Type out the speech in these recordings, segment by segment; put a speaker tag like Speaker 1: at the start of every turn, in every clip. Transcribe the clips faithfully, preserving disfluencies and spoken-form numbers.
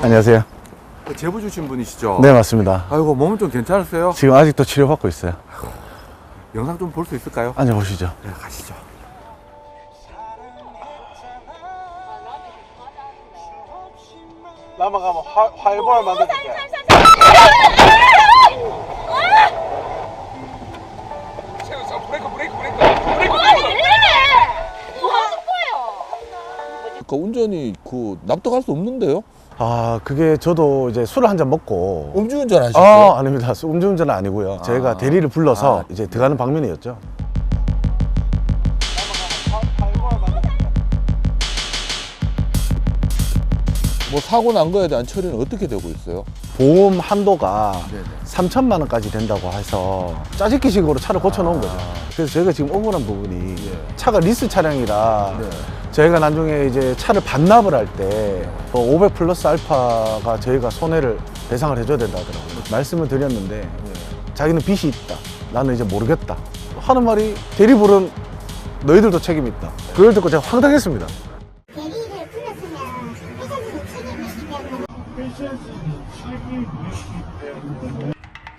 Speaker 1: 안녕하세요.
Speaker 2: 제보 주신 분이시죠?
Speaker 1: 네, 맞습니다.
Speaker 2: 아이고, 몸은 좀 괜찮으세요?
Speaker 1: 지금 아직도 치료받고 있어요.
Speaker 2: 영상 좀 볼 수 있을까요?
Speaker 1: 앉아보시죠.
Speaker 2: 네, 가시죠.
Speaker 3: 남아가면 화, 활보를 만들어줄게.
Speaker 4: 브레이크 브레이크 브레이크 브레이크
Speaker 5: 뭐 하는 거예요?
Speaker 4: 그 운전이 그 납득할 수 없는데요?
Speaker 1: 아, 그게 저도 이제 술을 한 잔 먹고.
Speaker 4: 음주운전 하셨어요?
Speaker 1: 아, 아닙니다. 음주운전은 아니고요. 저희가
Speaker 4: 아.
Speaker 1: 대리를 불러서
Speaker 4: 아.
Speaker 1: 이제 들어가는 방면이었죠.
Speaker 4: 뭐 사고 난 거에 대한 처리는 어떻게 되고 있어요?
Speaker 1: 보험 한도가
Speaker 4: 네네.
Speaker 1: 삼천만 원까지 된다고 해서 짜집기식으로 차를 고쳐놓은 거죠.
Speaker 4: 아.
Speaker 1: 그래서 저희가 지금 억울한 부분이
Speaker 4: 예.
Speaker 1: 차가 리스 차량이라
Speaker 4: 네.
Speaker 1: 저희가 나중에 이제 차를 반납을 할 때 오백 플러스 알파가 저희가 손해를 배상을 해줘야 된다 하더라고요. 말씀을 드렸는데 자기는 빚이 있다. 나는 이제 모르겠다. 하는 말이 대리 부른 너희들도 책임이 있다. 그걸 듣고 제가 황당했습니다.
Speaker 5: 대리를 불렀으면 회사에서 책임을 지기 때문에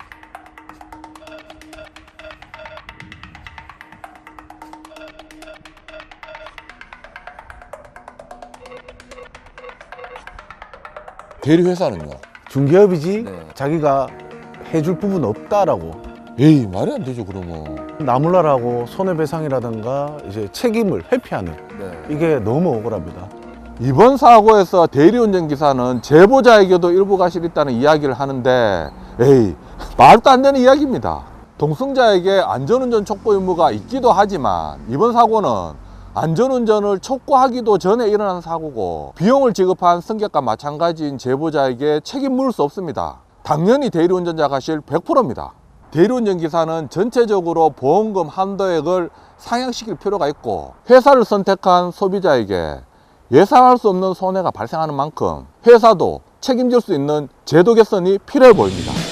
Speaker 4: 대리 회사는요?
Speaker 1: 중개업이지
Speaker 4: 네.
Speaker 1: 자기가 해줄 부분 없다라고
Speaker 4: 에이 말이 안 되죠 그러면.
Speaker 1: 나몰라라고 손해배상이라든가 이제 책임을 회피하는
Speaker 4: 네.
Speaker 1: 이게 너무 억울합니다.
Speaker 2: 이번 사고에서 대리운전 기사는 제보자에게도 일부 과실이 있다는 이야기를 하는데, 에이, 말도 안 되는 이야기입니다. 동승자에게 안전운전 촉구 의무가 있기도 하지만, 이번 사고는 안전운전을 촉구하기도 전에 일어난 사고고, 비용을 지급한 승객과 마찬가지인 제보자에게 책임 물을 수 없습니다. 당연히 대리운전자 과실 백 퍼센트입니다. 대리운전 기사는 전체적으로 보험금 한도액을 상향시킬 필요가 있고, 회사를 선택한 소비자에게 예상할 수 없는 손해가 발생하는 만큼 회사도 책임질 수 있는 제도 개선이 필요해 보입니다.